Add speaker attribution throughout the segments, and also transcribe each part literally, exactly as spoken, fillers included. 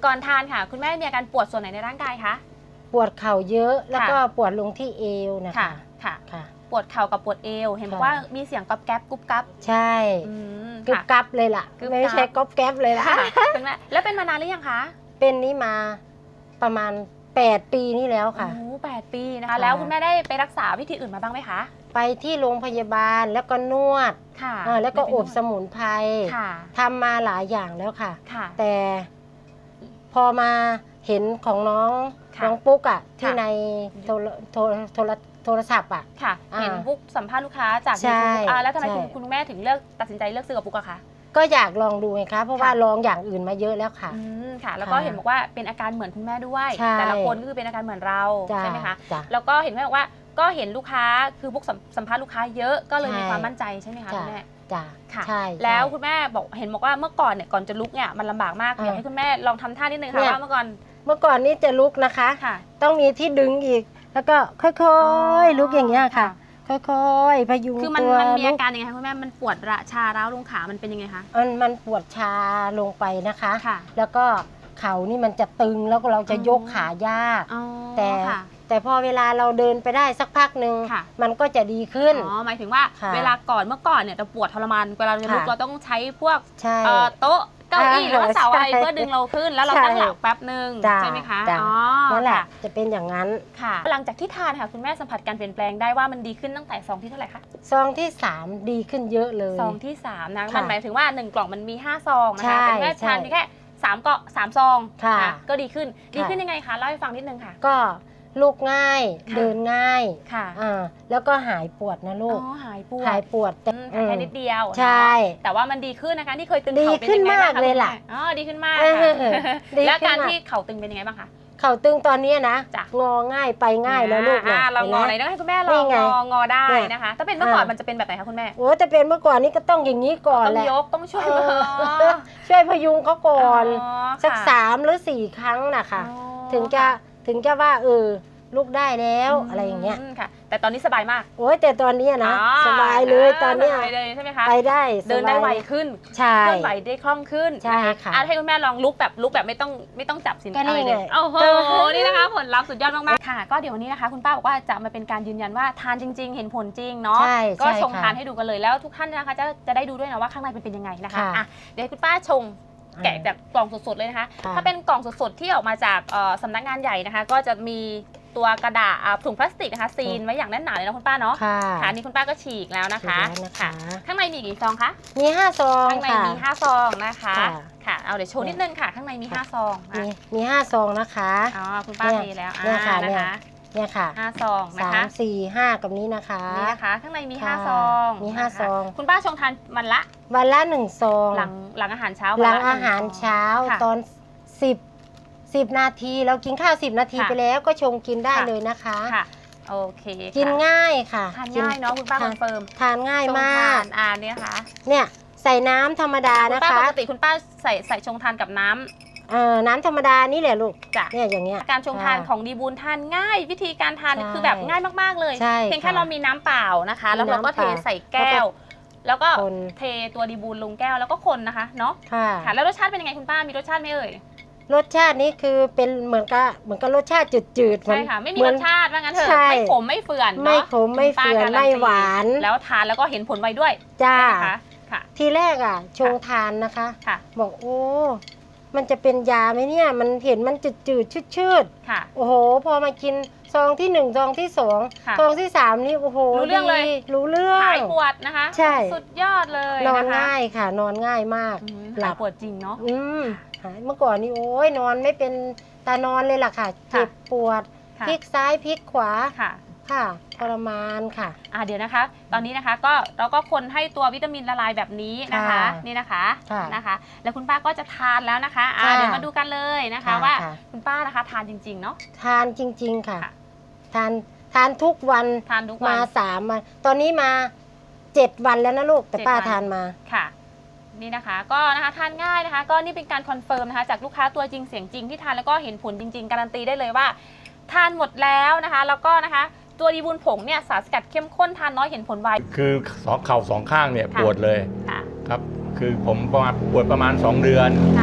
Speaker 1: ก่อนทานค่ะคุณแม่มีอาการปวดส่วนไหนในร่างกายคะ
Speaker 2: ปวดเข่าเยอะแล้วก็ปวดลงที่เอวนะคะ
Speaker 1: ค่ะ
Speaker 2: ค่ะ
Speaker 1: ปวดเข่ากับปวดเอวเห็นบอกว่ามีเสียงก๊อบแก๊บกุ๊บกั๊บ
Speaker 2: ใช่กุ๊บกั๊บเลยล่ะไม่ใช่ก๊อบแก๊บเลยล่ะ
Speaker 1: คุณแม่แล้วเป็นมานานหรือยังคะ
Speaker 2: เป็นนี้มาประมาณแปดปีนี่แล้วค่ะ
Speaker 1: โอ้แปดปีนะคะแล้วคุณแม่ได้ไปรักษาวิธีอื่นมาบ้างไหมคะ
Speaker 2: ไปที่โรงพยาบาลแล้วก็นวด
Speaker 1: ค่ะ
Speaker 2: แล้วก็อบสมุนไพรทำมาหลายอย่างแล้วค่ะแต่พอมาเห็นของน้องน้องปุ๊กอ่ะที่ในโทรโทรโทรโทรศัพท์อ่ะ
Speaker 1: ค่ะเห็นปุ๊กสัมภาษณ์ลูกค้าจากยูทูบแล้วทำไมคุณแม่ถึงเลือกตัดสินใจเลือกซื้อกับปุ๊กอะคะ
Speaker 2: ก็อยากลองดูไงคะเพราะว่าลองอย่างอื่นมาเยอะแล้วค่ะ
Speaker 1: อืมค่ะแล้วก็เห็นบอกว่าเป็นอาการเหมือนคุณแม่ด้วยแต่ละคนก็คือเป็นอาการเหมือนเราใช่ไหมคะแล้วก็เห็นแม่บอกว่าก็เห็นลูกค้าคือปุ๊กสัมภาษณ์ลูกค้าเยอะก็เลยมีความมั่นใจใช่ไหมคะคุณแม่
Speaker 2: จ้ะ
Speaker 1: ค่ะแล้วคุณแม่บอกเห็นบอกว่าเมื่อก่อนเนี่ยก่อนจะลุกเนี่ยมันลำบากมากอยากให้คุณแม่ลองทำท่านิดนึงค่ะว่าเมื่อก่อน
Speaker 2: เมื่อก่อนนี้จะลุกนะคะต้องมีที่ดึงอีกแล้วก็ค่อยๆลุกอย่างเงี้ยค่ะค่อยๆพยุงตัว
Speaker 1: คือมันมันมีอาการยังไงคะคุณแม่มันปวดระชาร้าวลงขามันเป็นยังไงคะ
Speaker 2: มันมันปวดชาลงไปนะคะแล้วก็เข่านี่มันจะตึงแล้วก็เราจะยกขายากแต่แต่พอเวลาเราเดินไปได้สักพักหนึ่งมันก็จะดีขึ้น
Speaker 1: อ๋อหมายถึงว่าเวลาก่อนเมื่อก่อนเนี่ยเราปวดทรมานเวลาจะลุกเราต้องใช้พวกโต๊ะเก้าอี้หรือว่าเสาอะไรเพื่อดึงเราขึ้นแล้วเราตั้งหลักแป๊บหนึ่งใช่ไหมคะ
Speaker 2: อ๋อนั่นแหละจะเป็นอย่างนั้น
Speaker 1: ค่ะหลังจากที่ทานค่ะคุณแม่สัมผัสการเปลี่ยนแปลงได้ว่ามันดีขึ้นตั้งแต่ซองที่เท่าไหร่คะ
Speaker 2: ซองที่สามดีขึ้นเยอะเลย
Speaker 1: ซองที่สามนะมันหมายถึงว่าหนึ่งกล่องมันมีห้าซองนะคะแต่แม่ทานแค่สามเกาะสามซองก็ดีขึ้นดีขึ้นยังไงคะเล่าให้ฟังนิดนึงค่ะ
Speaker 2: ก็ลุกง่ายเดินง่ายค่ะแล้วก็หายปวดนะลูก
Speaker 1: อ๋อหายปวด
Speaker 2: หายปวด
Speaker 1: แต่แค่นิดเดียว
Speaker 2: ใช่
Speaker 1: แต่ว่ามันดีขึ้นนะคะที่เคยตึง
Speaker 2: เข่าเป็นยังไงบ้างคะดีขึ้นมากเลยล่ะ
Speaker 1: อ๋อดีขึ้นมากแล้วการที่เข่าตึงเป็นยังไงบ้างคะ
Speaker 2: เข่าตึงตอนนี้นะงอง่ายไปง่ายแล้วลูก
Speaker 1: นะเรางอไหนต้องให้คุณแม่ลองงองอได้นะคะถ้าเป็นเมื่อก่อนมันจะเป็นแบบไหนคะคุณแม่
Speaker 2: โอ้แต่เป็นเมื่อก่อนนี้ก็ต้องอย่างนี้ก่อนแหละ
Speaker 1: ต้องยกต้องช่วย
Speaker 2: ช่วยพยุงเขาก่อนสักสามหรือสี่ครั้งนะคะถึงจะถึงจะว่าเออลูกได้แล้วอะไรอย่างเงี้ย
Speaker 1: ค่ะแต่ตอนนี้สบายมาก
Speaker 2: โอ้ยแต่ตอนนี้นะสบายเลยตอนนี้
Speaker 1: ไปเลยใช่ไหมคะ
Speaker 2: ไปได้
Speaker 1: เดินได้ไวขึ้น
Speaker 2: ใช่
Speaker 1: เคลื่อนไหวได้คล่องขึ้น
Speaker 2: ใช่ค่ะ
Speaker 1: ให้คุณแม่ลองลุกแบบลุกแบบไม่ต้องไม่ต้องจับสิน
Speaker 2: อะไรเลย
Speaker 1: โอ้โหนี่นะคะผลลัพธ์สุดยอดมากๆค่ะก็เดี๋ยววันนี้นะคะคุณป้าบอกว่าจะมาเป็นการยืนยันว่าทานจริงๆเห็นผลจริงเนาะก็ชงทานให้ดูกันเลยแล้วทุกท่านนะคะจะจะได้ดูด้วยนะว่าข้างในเป็นยังไงนะคะอ่ะเดี๋ยวคุณป้าชงแกะจากกล่องสดๆเลยนะคะถ้าเป็นกล่องสดๆที่ออกมาจากสำนักงานใหญ่นะคะก็จะมีตัวกระดาษถุงพลาสติกนะคะซีนไว้อย่างแน่นหนาเลยนะคุณป้าเนาะค่ะนี่คุณป้าก็ฉีกแล้วนะคะค่ะข้างในมีกี่ซองคะ
Speaker 2: มีห้าซอง
Speaker 1: ข้างในมีห้าซองนะคะค่ะเอาเดี๋ยวโชว์นิดนึงค่ะข้างในมีห้าซอง
Speaker 2: มีมีห้าซองนะคะ
Speaker 1: อ๋อคุณป้าเทแล้วอ่านะคะ
Speaker 2: เนี่ยค่ะ
Speaker 1: ห้าซองนะคะ
Speaker 2: สามสี่ห้ากับนี้นะคะ
Speaker 1: นี่นะคะข้างในมีห้าซอง
Speaker 2: มีห้าซอง
Speaker 1: คุณป้าชงทานวันละ
Speaker 2: วันละหนึ่งซอง
Speaker 1: หลังหลังอาหารเช้า
Speaker 2: หลังอาหารเช้าตอนสิบสิบนาทีเรากินข้าวสิบนาทีไปแล้วก็ชงกินได้เลยนะคะ
Speaker 1: ค่ะโอเค
Speaker 2: กินง่ายค่ะ
Speaker 1: ทานง่ายเนาะคุณป้าคอนเฟิร์ม
Speaker 2: ทานง่ายมาก
Speaker 1: อ่าเนี่ยค่ะ
Speaker 2: เนี่ยใส่น้ำธรรมดานะคะ
Speaker 1: ปกติคุณป้าใส่ใส่ชงทานกับน้ำ
Speaker 2: เอ่อน้ำธรรมดานี่แหละลูกเนี่ยอย่างเงี้ย
Speaker 1: การชงทานของดีบูลทานง่ายวิธีการทานคือแบบง่ายมากๆเลยเพียงแค่เรามีน้ำเปล่านะคะแล้วเราก็เทใส่แก้วแล้วก็เทตัวดีบูลลงแก้วแล้วก็คนนะคะเนาะค่ะแล้วรสชาติเป็นยังไงคุณป้ามีรสชาติไหมเอ่ย
Speaker 2: รสชาตินี้คือเป็นเหมือนกับเหมือนกับรสชาติจืดๆ
Speaker 1: ใช่ค่ะไม่มีรสชาติว่างั้นเถอะไม่ขมไม่เฟื่อน
Speaker 2: ไม่ขมไม่เฟื่อนไม่หวาน
Speaker 1: แล้วทานแล้วก็เห็นผลไวด้วย
Speaker 2: จ้าค่ะทีแรกอ่ะชงทานนะคะบอกโอ้มันจะเป็นยาไหมเนี่ยมันเห็นมันจืดๆชืดๆโอ้โหพอมากินซองที่หนึ่งซองที่สองซองที่สามนี่โอ้โห
Speaker 1: รู้เรื่องเลย
Speaker 2: รู้เรื่อง
Speaker 1: หายปวดนะคะ
Speaker 2: ใช่
Speaker 1: สุดยอดเลย
Speaker 2: นอนง่ายค่ะนอนง่ายมาก
Speaker 1: หลับปวดจริงเนาะ
Speaker 2: อืมเมื่อก่อนนี่โอ้ยนอนไม่เป็นตานอนเลยล่ะค่ะเจ็บปวดพลิกซ้ายพลิกขวาค่ะค่ะทรมานค่ะ
Speaker 1: อ่าเดี๋ยวนะคะตอนนี้นะคะก็เราก็คนให้ตัววิตามินละลายแบบนี้นะคะนี่นะคะนะคะแล้วคุณป้าก็จะทานแล้วนะคะอ่าเดี๋ยวมาดูกันเลยนะคะว่าคุณป้านะคะทานจริงๆเนาะ
Speaker 2: ทานจริงๆค่ะทานทานทุกวัน
Speaker 1: ทานทุกวัน
Speaker 2: มาสามวันตอนนี้มาเจ็ดวันแล้วนะลูกแต่ป้าทานมา
Speaker 1: ค่ะนี่นะคะก็นะคะทานง่ายนะคะก็นี่เป็นการคอนเฟิร์มนะคะจากลูกค้าตัวจริงเสียงจริงที่ทานแล้วก็เห็นผลจริงๆการันตีได้เลยว่าทานหมดแล้วนะคะแล้วก็นะคะตัวดีบูลผงเนี่ยสารสกัดเข้มข้นทานน้อยเห็นผลไว
Speaker 3: คือสองเข่าสองข้างเนี่ยปวดเลยครับคือผมประมาณปวดประมาณสองเดือน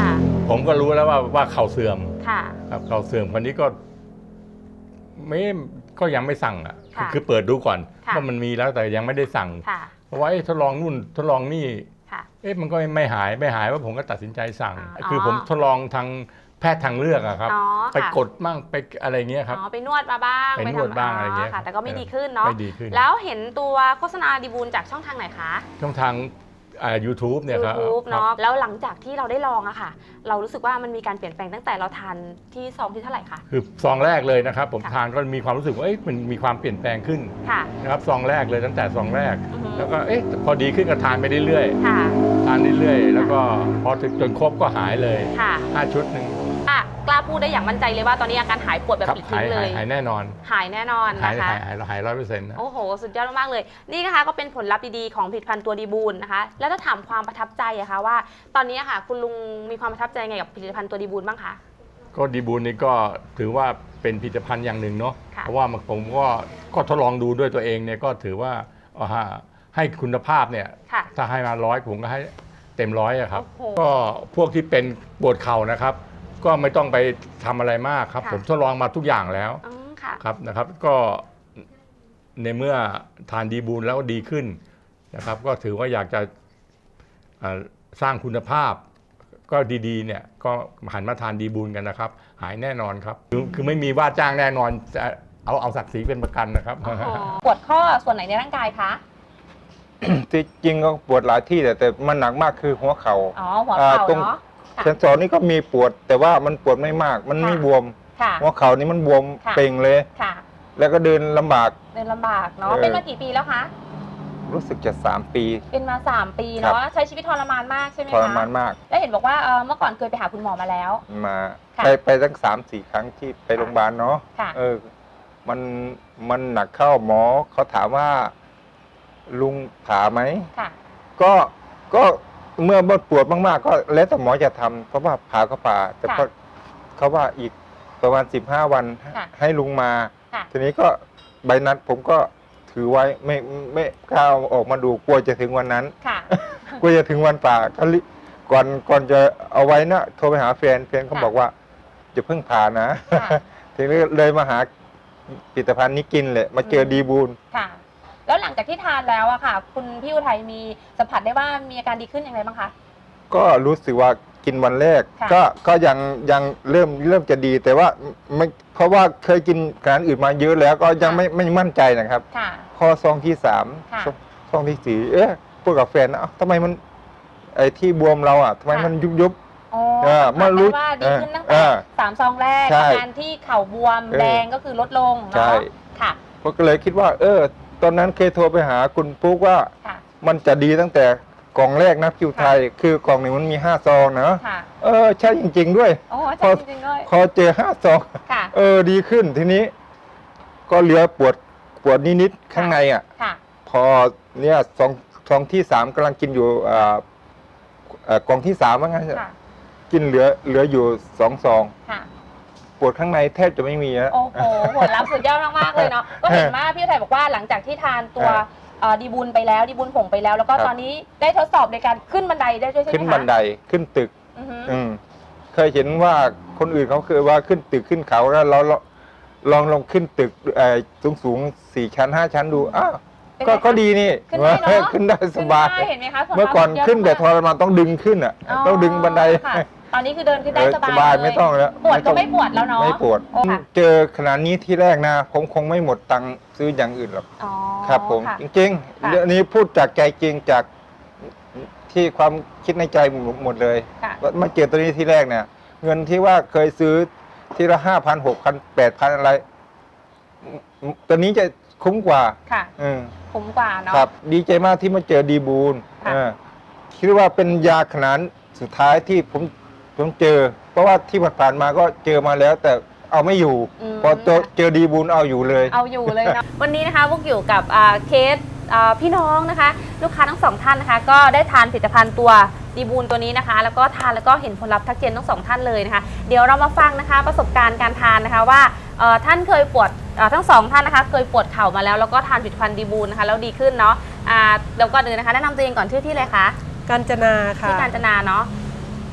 Speaker 3: ผมก็รู้แล้วว่าว่าเข่าเสื่อม
Speaker 1: ค่ะ
Speaker 3: ครับเข่าเสื่อมคนนี้ก็ไม่ก็ยังไม่สั่งอ่ะ
Speaker 1: ค่ะ
Speaker 3: คือเปิดดูก่อน
Speaker 1: ค่ะ
Speaker 3: ว่ามันมีแล้วแต่ยังไม่ได้สั่ง
Speaker 1: ค่ะ
Speaker 3: เพราะว่าเอ๊ะทดลองนู่นทดลองนี่
Speaker 1: ค่ะ
Speaker 3: เอ๊ะมันก็ไม่หายไม่หายว่าผมก็ตัดสินใจสั่ง
Speaker 1: อ๋อ
Speaker 3: คือผมทดลองทางแพทย์ทางเลือกอะครับ
Speaker 1: อ๋อ
Speaker 3: ไป
Speaker 1: ค่ะ
Speaker 3: กดมั่งไปอะไรเงี้ยครับ
Speaker 1: อ๋อไปนวดมาบ้าง
Speaker 3: ไปนวด
Speaker 1: ทำ
Speaker 3: บ้างอะไรเงี้ย
Speaker 1: ค่ะ แต่ก็ไม่ดีขึ้นเนาะ
Speaker 3: ไม่ดีขึ้น
Speaker 1: แล้วเห็นตัวโฆษณาดีบูลจากช่องทางไหนคะ
Speaker 3: ช่องทางอ่า ยูทูบ เนี่ยครับ
Speaker 1: YouTube
Speaker 3: ครั
Speaker 1: เนาะ
Speaker 3: บ
Speaker 1: แล้วหลังจากที่เราได้ลองอะค่ะ เรารู้สึกว่ามันมีการเปลี่ยนแปลงตั้งแต่เราทานที่ซองที่เท่าไหร่คะ
Speaker 3: คือซองแรกเลยนะครับ ผม
Speaker 1: ค่ะ
Speaker 3: ทานก็มีความรู้สึกว่าเอ๊ะมันมีความเปลี่ยนแปลงขึ้น
Speaker 1: ค่ะ
Speaker 3: นะครับซองแรกเลยตั้งแต่ซองแรก
Speaker 1: อือฮึ
Speaker 3: แล้วก็เอ๊ะพอดีขึ้นก็ทานไปเรื่อย
Speaker 1: ค่ะ
Speaker 3: ๆทานเรื่อยๆแล้วก็พอถึงจนครบก็หายเลย
Speaker 1: ค่ะ
Speaker 3: ห้าชุดหนึ่ง
Speaker 1: อ่ะกล้าพูดได้อย่างมั่นใจเลยว่าตอนนี้อาการหายปวดแบบ
Speaker 3: ครับ
Speaker 1: ปลิด
Speaker 3: หา
Speaker 1: ทิ้
Speaker 3: ย
Speaker 1: งเล
Speaker 3: หาย
Speaker 1: ย
Speaker 3: หายแน่นอน
Speaker 1: หายแน่นอน
Speaker 3: หาย
Speaker 1: นะคะ
Speaker 3: หายหายหายร้อยเปอร์เซ็นต์นะ
Speaker 1: โอ้โห สุดยอดมากๆเลย นี่นะคะก็เป็นผลลัพธ์ดีๆของผลิตภัณฑ์ตัวดีบูลนะคะ แล้วถ้าถามความประทับใจอะคะว่า ตอนนี้อะค่ะ คุณลุงมีความประทับใจไงกับผลิตภัณฑ์ตัวดีบูลบ้างคะ
Speaker 3: ก็ดีบูลนี่ก็ถือว่าเป็นผลิตภัณฑ์อย่างหนึ่งเนาะ
Speaker 1: ค่ะ
Speaker 3: เพราะว่าผมก็ก็ทดลองดูด้วยตัวเองเนี่ยก็ถือว่าเอาฮะให้คุณภาพเนี่ย
Speaker 1: ค่ะ
Speaker 3: ถ้าให้มาร้อยผมก็ให้เต็มร้อยอะครับ
Speaker 1: โอ้โห
Speaker 3: ก็พวกที่เป็นปวดเข่านะครับ ก็ไม่ต้องไปทำอะไรมากครับ
Speaker 1: ค่ะ
Speaker 3: ผมทดลองมาทุกอย่างแล้ว
Speaker 1: อืมค่ะ
Speaker 3: ครับนะครับ ก็ในเมื่อทานดีบูลแล้วดีขึ้นนะครับ ก็ถือว่าอยากจะอ่าสร้างคุณภาพ ก็ดีๆเนี่ยก็หันมาทานดีบูลกันนะครับ หายแน่นอนครับ คือคือไม่มีว่าจ้างแน่นอนจะเอาเอาศักดิ์ศรีเป็นประกันนะครับ
Speaker 1: โอ้โหปวดข้อส่วนไหนในร่างกายคะ
Speaker 4: ที่จริงก็ปวดหลายที่แต่แต่มันหนักมากคือหัวเขา
Speaker 1: อ๋
Speaker 4: ่า
Speaker 1: อ หัวเข่า
Speaker 4: ตรง
Speaker 1: เนาะ ค่ะ
Speaker 4: เซนสอนนี่ก็มีปวด แต่ว่ามันปวดไม่มาก มันไม่
Speaker 1: ค่ะ
Speaker 4: บวม
Speaker 1: ค่ะ
Speaker 4: หัวเข่านี่มันบวม
Speaker 1: ค่ะ
Speaker 4: เป่งเลย
Speaker 1: ค่ะ
Speaker 4: แล้วก็เดินลำบาก
Speaker 1: เดินลำบากเนาะ
Speaker 4: เออ
Speaker 1: เป็นมากี่ปีแล้วคะ
Speaker 4: รู้สึกจะสามปี
Speaker 1: เป็นมาสามปี
Speaker 4: ครับ
Speaker 1: เนาะ ใช้ชีวิตทรมานมากใช่ไหม
Speaker 4: ท
Speaker 1: คะ
Speaker 4: รมานมาก
Speaker 1: แล้วเห็นบอกว่าเอ่อเมื่อก่อนเคยไปหาคุณหมอมาแล้ว
Speaker 4: มา
Speaker 1: ค่ะ
Speaker 4: ไปไปตั้งสามสี่ครั้งที่ไปโรงพยาบาลเนาะ
Speaker 1: ค่ะ
Speaker 4: เออ มันมันหนักเข้าหมอเขาถามว่า ลุงผ่าไหม
Speaker 1: ค่ะ
Speaker 4: ก็ก็เมื่อบดปวดมากๆ ก็แล้วแต่หมอจะทำเพราะว่าผ่าก็ผ่า แต่
Speaker 1: ค่ะ
Speaker 4: ก็เขาว่าอีกประมาณสิบห้าวัน
Speaker 1: ค่ะ
Speaker 4: ให้ลุงมา
Speaker 1: ค่ะ
Speaker 4: ทีนี้ก็ใบนัดผมก็ถือไว้ไม่ไม่กล้าเอาออกมาดูกลัวจะถึงวันนั้น
Speaker 1: ค่ะ
Speaker 4: กลัวจะถึงวันป่าก็รีก่อนก่อนจะเอาไว้นะโทรไปหาแฟนแฟนเขา
Speaker 1: ค่ะ
Speaker 4: บอกว่าจะเพิ่งผ่านะ
Speaker 1: ค่ะ
Speaker 4: ทีนี้เลยมาหาผลิตภัณฑ์นี้กินเลยมาเจอ
Speaker 1: อืม
Speaker 4: ดีบูล
Speaker 1: ค่ะ แล้วหลังจากที่ทานแล้วอะค่ะ คุณพี่อุทัยมีสัมผัสได้ว่ามีอาการดีขึ้นอย่างไรบ้างคะ
Speaker 4: ก็รู้สึกว่ากินวันแรก
Speaker 1: ค่ะ
Speaker 4: ก็ก็ยังยังเริ่มเริ่มจะดีแต่ว่าไม่เพราะว่าเคยกินอาหารอื่นมาเยอะแล้วก็ยังไม่ไม่มั่นใจนะครับ
Speaker 1: ค่ะ
Speaker 4: พอซองที่สาม
Speaker 1: ค่ะ
Speaker 4: ซองซองที่สี่เอ๊ะพูดกับแฟนนะเอ้าทำไมมันไอ้ที่บวมเราอ่ะทำไม
Speaker 1: ค่ะ
Speaker 4: มันยุบยุบ
Speaker 1: อ๋อ
Speaker 4: เออ
Speaker 1: สัมผัส
Speaker 4: เมื่อรู้
Speaker 1: ได้ว่าดีขึ้นตั้ง
Speaker 4: เอ
Speaker 1: แต่
Speaker 4: อ
Speaker 1: สามซองแรก
Speaker 4: ใช่
Speaker 1: อาการที่เข่าบวม
Speaker 4: เออ
Speaker 1: แดงก็คือลดลง
Speaker 4: ใช่
Speaker 1: เนาะค่ะ
Speaker 4: ผมก็เลยคิดว่า เออ ตอนนั้นเคยโทรไปหาคุณปุ๊กว่า
Speaker 1: ค่ะ
Speaker 4: มันจะดีตั้งแต่กล่องแรกนะคิวไทย คือกล่องหนึ่งมันมีห้าซองนะ
Speaker 1: ค่ะ
Speaker 4: เออใช่จริง ๆ ด้วย
Speaker 1: โอ้
Speaker 4: พ
Speaker 1: ใช่
Speaker 4: อ
Speaker 1: จริงๆด้วย
Speaker 4: พอเจอห้าซอง
Speaker 1: ค่ะ
Speaker 4: เออดีขึ้นทีนี้ ก็เหลือปวดปวดนิดๆข้างในอ่ะ
Speaker 1: ค่ะ
Speaker 4: พอเนี่ยซองซองที่สามกำลังกินอยู่อ่าเอ่อกล่องที่สามว่างั้น
Speaker 1: ค่ะ
Speaker 4: กินเหลือเหลืออยู่สองซอง
Speaker 1: ค่ะ
Speaker 4: ปวดข้างในแทบจะไม่มีแล้ว
Speaker 1: โอ้โหผลลัพธ์สุดยอดมากๆเลยเนาะ ก็เห็นว่าพี่อุทัยบอกว่าหลังจากที่ทานตัว
Speaker 4: เออ
Speaker 1: เอ่อดีบุญไปแล้วดีบุญผงไปแล้ว แล้วก็
Speaker 4: ครับ
Speaker 1: ตอนนี้ได้ทดสอบในการขึ้นบันไดได้ด้วยใช่ไหมคะ
Speaker 4: ขึ้นบันไดขึ้นตึก
Speaker 1: อือฮึ
Speaker 4: อืมเคยเห็นว่าคนอื่นเขาเคยว่าขึ้นตึกขึ้นเขาแล้วเราเราลองลองขึ้นตึกสูงสูงๆสี่ชั้นห้าชั้นดูอ้าว
Speaker 1: เป็นไง
Speaker 4: ก็
Speaker 1: คะ
Speaker 4: ก็ดีนี่
Speaker 1: ขึ้นได้เนอะ
Speaker 4: ขึ้นได้สบาย
Speaker 1: ขึ้นได้เห็นไหมคะผลลัพธ์
Speaker 4: เมื่อก่อน
Speaker 1: สุดยด
Speaker 4: ขึ้นแบบท
Speaker 1: มาก
Speaker 4: รมานต้องดึงขึ้นอ่ะ ต้องดึงบันได
Speaker 1: ค่ะตอนนี้คือเดินขึ้นได้
Speaker 4: เออ
Speaker 1: สบาย
Speaker 4: สบาย
Speaker 1: เลย
Speaker 4: ไม่ต้องแล้ว
Speaker 1: ปวดก็
Speaker 4: ต้อง
Speaker 1: ไม่ปวดแล้วเนาะ
Speaker 4: ไม่ปวด
Speaker 1: โอ้ค่ะ
Speaker 4: เจอขนาดนี้ที่แรกนะ ผมคงไม่หมดตังค์ซื้ออย่างอื่นหรอก
Speaker 1: อ๋อ
Speaker 4: ครับ ผม
Speaker 1: ค่ะ
Speaker 4: จริง
Speaker 1: ค่ะ
Speaker 4: ๆเรื่องนี้พูดจากใจจริงจากที่ความคิดในใจหมดเลย
Speaker 1: ค่ะ
Speaker 4: มาเจอตัวนี้ที่แรกเนี่ย เงินที่ว่าเคยซื้อทีละห้าพันหกพันแปดพันอะไรอืมตัวนี้จะคุ้มกว่า
Speaker 1: ค่ะ
Speaker 4: อืม
Speaker 1: คุ้มกว่าเนาะ
Speaker 4: ครับ ดีใจมากที่มาเจอดีบูล
Speaker 1: ค่ะ
Speaker 4: เออคิดว่าเป็นยาขนาดสุดท้ายที่ผมผมเจอ เพราะว่าที่ผ่านๆมาก็เจอมาแล้ว แต่เอาไม่อยู่
Speaker 1: ม
Speaker 4: พอเจอเจอดีบูลเอาอยู่เลย
Speaker 1: เอาอยู่เลยเนาะ วันนี้นะคะพวกอยู่กับอ่าเคสอ่าพี่น้องนะคะ ลูกค้าทั้งสองท่านนะคะ ก็ได้ทานผลิตภัณฑ์ตัวดีบูลตัวนี้นะคะ แล้วก็ทานแล้วก็เห็นผลลัพธ์ทักเจนทั้งสองท่านเลยนะคะ เดี๋ยวเรามาฟังนะคะประสบการณ์การทานนะคะว่าเอ่อท่านเคยปวดเอ่อทั้งสองท่านนะคะ เคยปวดเข่ามาแล้วแล้วก็ทานผลิตภัณฑ์ดีบูลนะคะแล้วดีขึ้นเนาะอ่าเดี๋ยวก่อนอื่นนะคะแนะนำตัวเองก่อนชื่อที่เลยคะ
Speaker 5: กาญจนาค่ะ
Speaker 1: ที่การจนาเนาะ
Speaker 3: ผมสมพ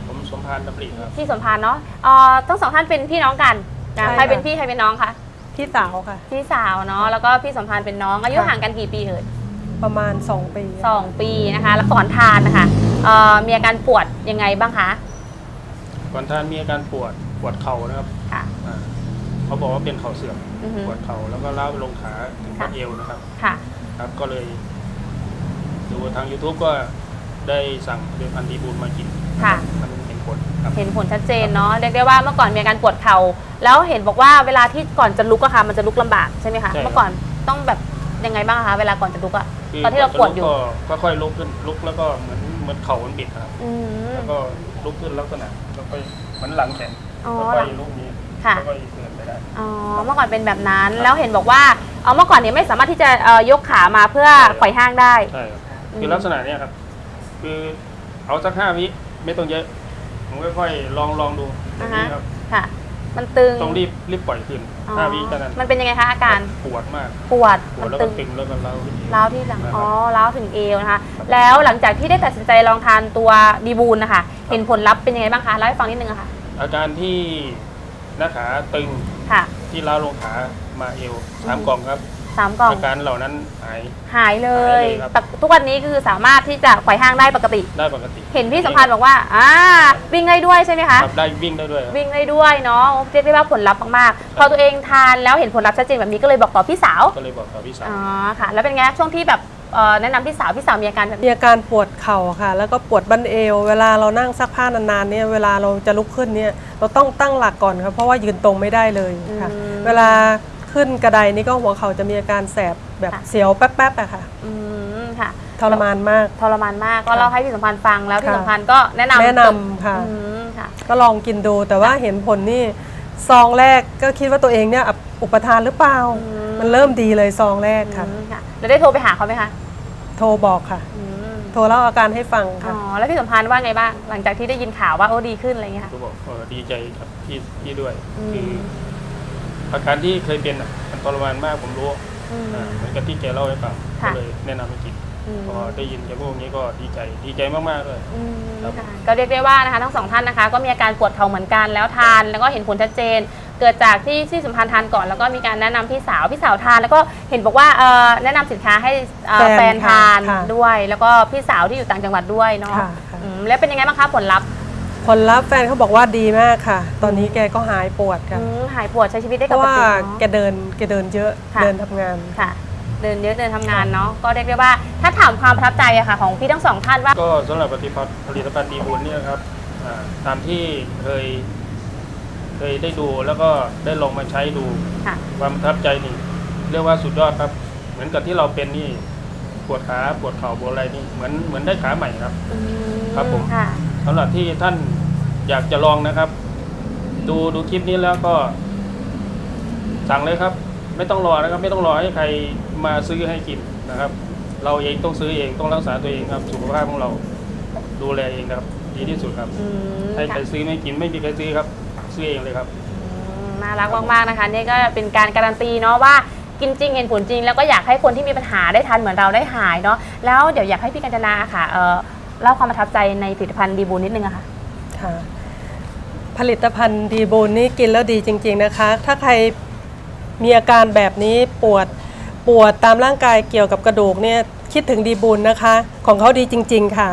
Speaker 5: พานดำริครับ
Speaker 1: พี่สมพานเนาะเอ่อทั้งสองท่านเป็นพี่น้องกันนะ
Speaker 6: ใช่
Speaker 1: ใครเป็น
Speaker 6: ค่ะ
Speaker 1: พี่ใครเป็นน้องคะ
Speaker 6: พี่สาวค่ะ
Speaker 1: พี่สาวเนาะแล้วก็พี่สมพานเป็นน้องอายุ
Speaker 6: ค่ะ
Speaker 1: ห่างกันกี่ปีเอ่ย
Speaker 6: ประมาณสองปี
Speaker 1: สองปีนะคะแล้วก่อนทานนะคะเอ่อมีอาการปวดยังไงบ้างคะ
Speaker 5: ก่อนท่านมีอาการปวดปวดเข่านะครับ
Speaker 1: ค่ะ
Speaker 5: อ่าเขาบอกว่าเป็นเข่าเสื่อม
Speaker 1: อือฮึ
Speaker 5: ปวดเข่าแล้วก็ล้าวไปลงขาถึง
Speaker 1: ค่ะ
Speaker 5: บัดเอวนะครับ
Speaker 1: ค่ะ
Speaker 5: ครับก็เลยดูทาง YouTube ก็ได้สั่งผลิตภัณฑ์ดีบูลมากิน
Speaker 1: ค่ะ
Speaker 5: มันเห็นผลครับ
Speaker 1: เห็นผลชัดเจนเนาะเรียกได้ว่าเมื่อก่อนมีอาการปวดเข่าแล้วเห็นบอกว่าเวลาที่ก่อนจะลุกอะค่ะมันจะลุกลำบากใช่ไหมคะ
Speaker 5: ใช่ครับ
Speaker 1: เมื่อก่อนต้องแบบยังไงบ้างคะเวลาก่อนจะลุกอะ
Speaker 5: คื
Speaker 1: ตอนที่เราปวดอยู่
Speaker 5: ก็ค่อยๆลุกขึ้นลุกแล้วก็เหมือนเหมือนเข่ามันบิดครับ
Speaker 1: อืม
Speaker 5: แล้วก็ลุกขึ้นลักษณะแล้วก็เหมือนหลังแข็ง
Speaker 1: อ๋อ
Speaker 5: แล้วก็ลุกนี้
Speaker 1: ค่ะ
Speaker 5: แล้วก็เดินไปได้
Speaker 1: อ๋อเมื่อก่อนเป็นแบบนั้นแล้วเห็นบอกว่าเอ่อเมื่อก่อนเนี่ยไม่สามารถที่จะเอ่อยกขามาเพื่อ
Speaker 5: ใช่ครับ
Speaker 1: ไขว่ห้างได้
Speaker 5: ใช่ครับ
Speaker 1: อืม
Speaker 5: คือลักษณะเนี้ยครับ คือเอาสักห้าวิไม่ต้องเยอะผมค่อยๆลองลองดูตรงนี้ครับ
Speaker 1: ค่ะ มันตึง
Speaker 5: ต้องรีบรีบปล่อยขึ้น
Speaker 1: อ๋อ
Speaker 5: ห้าวิเท่านั้น
Speaker 1: มันเป็นยังไงคะอาการ
Speaker 5: ปวดมาก
Speaker 1: ปวด
Speaker 5: ปว
Speaker 1: มั
Speaker 5: ด
Speaker 1: น
Speaker 5: แล้ว
Speaker 1: ตึ
Speaker 5: ก็
Speaker 1: ง
Speaker 5: ตึงแล้วก็เล้าขึ้นอีก
Speaker 1: ร้าวที่หลัง
Speaker 5: นะครับ
Speaker 1: อ๋อร้าวถึงเอวนะคะ แล้วหลังจากที่ได้ตัดสินใจลองทานตัวดีบูลนะคะ เห็นผลลัพธ์เป็นยังไงบ้างคะเล่าให้ฟังนิดนึงอะค่ะ
Speaker 5: อาการที่หน้าขาตึง
Speaker 1: ค่ะ
Speaker 5: ที่เล้าลงขามาเอวสาม
Speaker 1: อืม
Speaker 5: กล่องครับ
Speaker 1: สามกล่อง
Speaker 5: อาการเหล่านั้นหาย
Speaker 1: หายเล
Speaker 5: หาย ยเลยครับ
Speaker 1: แต่ทุกวันนี้คือสามารถที่จะไขว่ห้างได้ปกติ
Speaker 5: ได้ปกติ
Speaker 1: เห็นพี่สัมพันธ์บอกว่าอ่าวิ่งได้ด้วยใช่ไหมคะ
Speaker 5: ครับได้วิ่งได้ด้วยครับ
Speaker 1: วิ่งได้ด้วยเนาะเรียกได้ว่าผลลัพธ์มากๆ พอตัวเองทานแล้วเห็นผลลัพธ์ชัดเจนแบบนี้ก็เลยบอกต่อพี่สาว
Speaker 5: ก็เลยบอกกับพี่สาว
Speaker 1: อ๋อค่ะ แล้วเป็นไงช่วงที่แบบเอ่อแนะนำพี่สาวพี่สาวมีอาการแบบ
Speaker 6: มีอาการปวดเข่าค่ะ แล้วก็ปวดบั้นเอว เวลาเรานั่งซักผ้านานๆเนี่ยเวลาเราจะลุกขึ้นเนี่ยเราต้องตั้งหลักก่อนครับเพราะว่ายืนตรงไม่ได้เลยค่ะ
Speaker 1: อืม
Speaker 6: เวลาขึ้นกระไดนี่ก็หัวเข่าจะมีอาการแสบแบบ
Speaker 1: ค่ะ
Speaker 6: เสียวแป๊บๆอะค่ะ
Speaker 1: อืมค่ะ
Speaker 6: ทรมานมาก
Speaker 1: ทรมานมากก็เล่าให้พี่สัมพันธ์ฟังแล้วพี่
Speaker 6: ค่ะ
Speaker 1: สัมพันธ์ก็แนะนำ
Speaker 6: แนะนำค่ะ
Speaker 1: อืมค่ะ
Speaker 6: ก็ลองกินดูแต่ว่าเห็นผลนี่ซองแรกก็คิดว่าตัวเองเนี่ยอุปทานหรือเปล่า
Speaker 1: อืม
Speaker 6: มันเริ่มดีเลยซองแรกค่ะ
Speaker 1: อืมค่ะแล้วได้โทรไปหาเขาไหมคะ
Speaker 6: โทรบอกค่ะ
Speaker 1: อืม
Speaker 6: โทรเล่าอาการให้ฟัง
Speaker 1: อ๋
Speaker 6: ค่ะ
Speaker 1: อแล้วพี่สัมพันธ์ว่าไงบ้างหลังจากที่ได้ยินข่าวว่าโอ้ดีขึ้นอะไรอย่างเงี้ยค่ะ
Speaker 5: ก็บอกเออดีใจกับพี่พี่ด้วย
Speaker 1: อืม
Speaker 5: คืออาการที่เคยเป็นอ่ะมันทรมานมากผมรู้
Speaker 1: อืม
Speaker 5: อ่าเหมือนกับที่แกเล่าให้ฟัง
Speaker 1: ค่ะ
Speaker 5: ก็เลยแนะนำให้กิน
Speaker 1: อืม
Speaker 5: พอได้ยินแกพูดอย่างนี้ก็ดีใจดีใจมากๆเลย
Speaker 1: อืม
Speaker 5: ครับ
Speaker 1: ค่ะก็เรียกได้ว่านะคะทั้งสองท่านนะคะ ก็มีอาการปวดเข่าเหมือนกันแล้วทานแล้วก็เห็นผลชัดเจน เกิดจากที่ที่สัมพันธ์ทานก่อนแล้วก็มีการแนะนำพี่สาวพี่สาวทาน แล้วก็เห็นบอกว่าเอ่อแนะนำสินค้าให้เอ่อ
Speaker 6: แฟน
Speaker 1: แฟนทาน
Speaker 6: ค่ะ
Speaker 1: ด้วย แล้วก็พี่สาวที่อยู่ต่างจังหวัดด้วยเนาะ
Speaker 6: ค่ะค่ะ
Speaker 1: อืมแล้วเป็นยังไงบ้างคะผลลัพธ์
Speaker 6: ผลลัพธ์แฟนเขาบอกว่าดีมากค่ะ ตอนนี้แกก็หายปวดค่ะ
Speaker 1: อืมหายปวดใช้ชีวิตได้
Speaker 6: เพ
Speaker 1: ป
Speaker 6: ราะ
Speaker 1: ก
Speaker 6: ว่า
Speaker 1: ติ
Speaker 6: แก
Speaker 1: เนาะ
Speaker 6: เดินแกเดินเยอะ
Speaker 1: ค่ะ
Speaker 6: เดินทำงาน
Speaker 1: ค่ะ เดินเยอะเดินทำงานเนาะก็เรียกได้ว่าถ้าถามความประทับใจอะค่ะ ของพี่ทั้งสองท่านว่า
Speaker 5: ก็สำหรับผลิตภัณฑ์ผลิตภัณฑ์ดีบุญเนี่ยครับอ่าตามที่เคย เคยได้ดูแล้วก็ได้ลองมาใช้ดู
Speaker 1: ค่ะ
Speaker 5: ความประทับใจนี่เรียกว่าสุดยอดครับ เหมือนกับที่เราเป็นนี่ปวดขาปวดเข่าปวดอะไรนี่เหมือนเหมือนได้ขาใหม่ครับ
Speaker 1: อืม
Speaker 5: ครับผม
Speaker 1: ค่ะ
Speaker 5: สำหรับที่ท่านอยากจะลองนะครับ ดูดูคลิปนี้แล้วก็สั่งเลยครับ ไม่ต้องรอนะครับ ไม่ต้องรอให้ใครมาซื้อให้กินนะครับ เราเองต้องซื้อเองต้องรักษาตัวเองครับสุขภาพของเราดูแลเองนะครับ ดีที่สุดครับ
Speaker 1: อืม
Speaker 5: ให้ใคร
Speaker 1: ค่ะ
Speaker 5: ซื้อไม่กินไม่มีใครซื้อครับ ซื้อเองเลยครับ
Speaker 1: อืมน่ารักมากๆนะคะนี่ก็เป็นการการันตีเนาะว่ากินจริงเห็นผลจริง แล้วก็อยากให้คนที่มีปัญหาได้ทานเหมือนเราได้หายเนาะแล้วเดี๋ยวอยากให้พี่กัญจนาค่ะเอ่อเล่าความประทับใจในผลิตภัณฑ์ดีบูนนิดนึงอะค่ะ
Speaker 6: ค่ะ ผลิตภัณฑ์ดีบูนนี่กินแล้วดีจริง ๆนะคะ ถ้าใครมีอาการแบบนี้ปวดปวดตามร่างกายเกี่ยวกับกระดูกเนี่ยคิดถึงดีบูนนะคะ ของเขาดีจริง ๆ ค่ะ